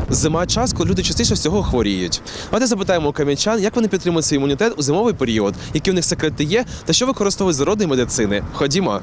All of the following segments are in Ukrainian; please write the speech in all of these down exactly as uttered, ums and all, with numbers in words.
Зима – час, коли люди частіше всього хворіють. Давайте запитаємо у кам'янчан, як вони підтримують свій імунітет у зимовий період, які в них секрети є та що використовують з народної медицини. Ходімо.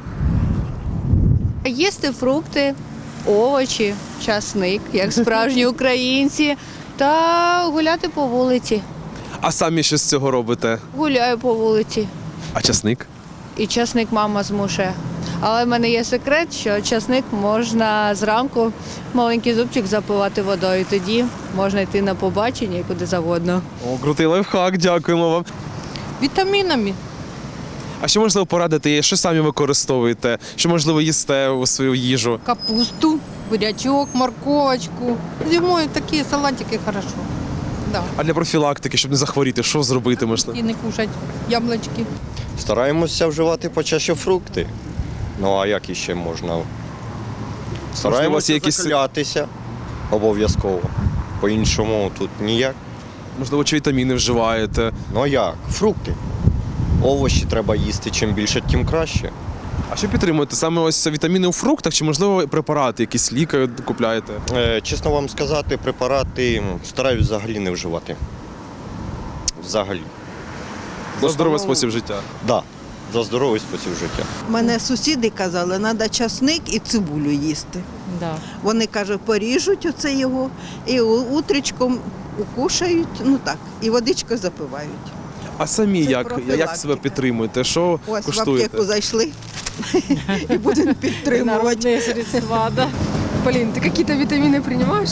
Їсти фрукти, овочі, часник, як справжні українці, та гуляти по вулиці. А самі що з цього робите? Гуляю по вулиці. А часник? І часник мама змушує. Але в мене є секрет, що часник можна зранку маленький зубчик запивати водою. Тоді можна йти на побачення і куди завгодно. О, крутий лайфхак, дякуємо вам. Вітамінами. А що можливо порадити, що самі використовуєте? Що можливо їсте у свою їжу? Капусту, бурячок, морковочку. Зимою такі салатики хорошо. Да. А для профілактики, щоб не захворіти, що зробити можна? І не кушать яблучки. Стараємося вживати почаще фрукти. Ну а як іще можна? Можливо, Стараємося є якісь- закалятися обов'язково. По-іншому тут ніяк. Можливо, чи вітаміни вживаєте? Ну а як? Фрукти. Овочі треба їсти. Чим більше, тим краще. А що підтримуєте? Саме ось вітаміни у фруктах чи, можливо, препарати, якісь ліки купляєте? Е, чесно вам сказати, препарати м, стараюсь взагалі не вживати. Взагалі. За здоровий основному- спосіб життя. Да, за здоровий спосіб життя. Мене сусіди казали, треба часник і цибулю їсти. Да. Вони, каже, поріжуть оце його і у- утречком укушають, ну так, і водичку запивають. А самі Це як, як профілактика. себе підтримуєте? Що Ось в куштуєте? аптеку зайшли і будемо підтримувати. Народные средства, да. Полин, ты какие-то витамины принимаешь?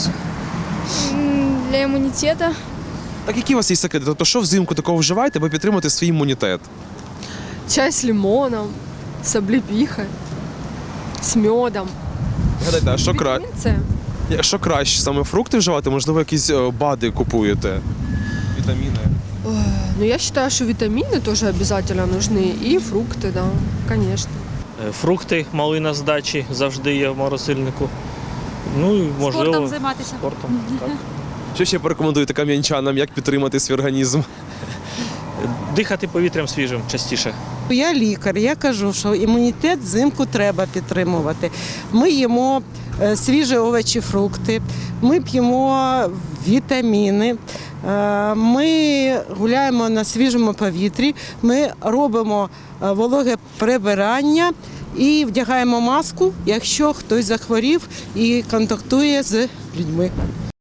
М, Для імунітету. Так які у вас є секрети? Тобто, що взимку такого вживаєте, аби підтримати свій імунітет? Чай с лимоном, с облепихой, с медом. Гадайте, а що, кра... Витамин С. що краще? Саме фрукти вживати? Можливо, якісь е, БАДи купуєте? Вітаміни? Ну, я считаю, что витамины тоже обязательно нужны. И фрукты, да, конечно. Е, Фрукти, малина з дачі завжди є в морозильнику. Ну і можливо Спортом займатися. спортом. Так. Що ще порекомендуєте кам'янчанам, як підтримати свій організм? Дихати повітрям свіжим частіше. Я лікар, я кажу, що імунітет взимку треба підтримувати. Ми їмо е, свіжі овочі, фрукти, ми п'ємо вітаміни, е, ми гуляємо на свіжому повітрі, ми робимо е, вологе прибирання і вдягаємо маску, якщо хтось захворів і контактує з людьми.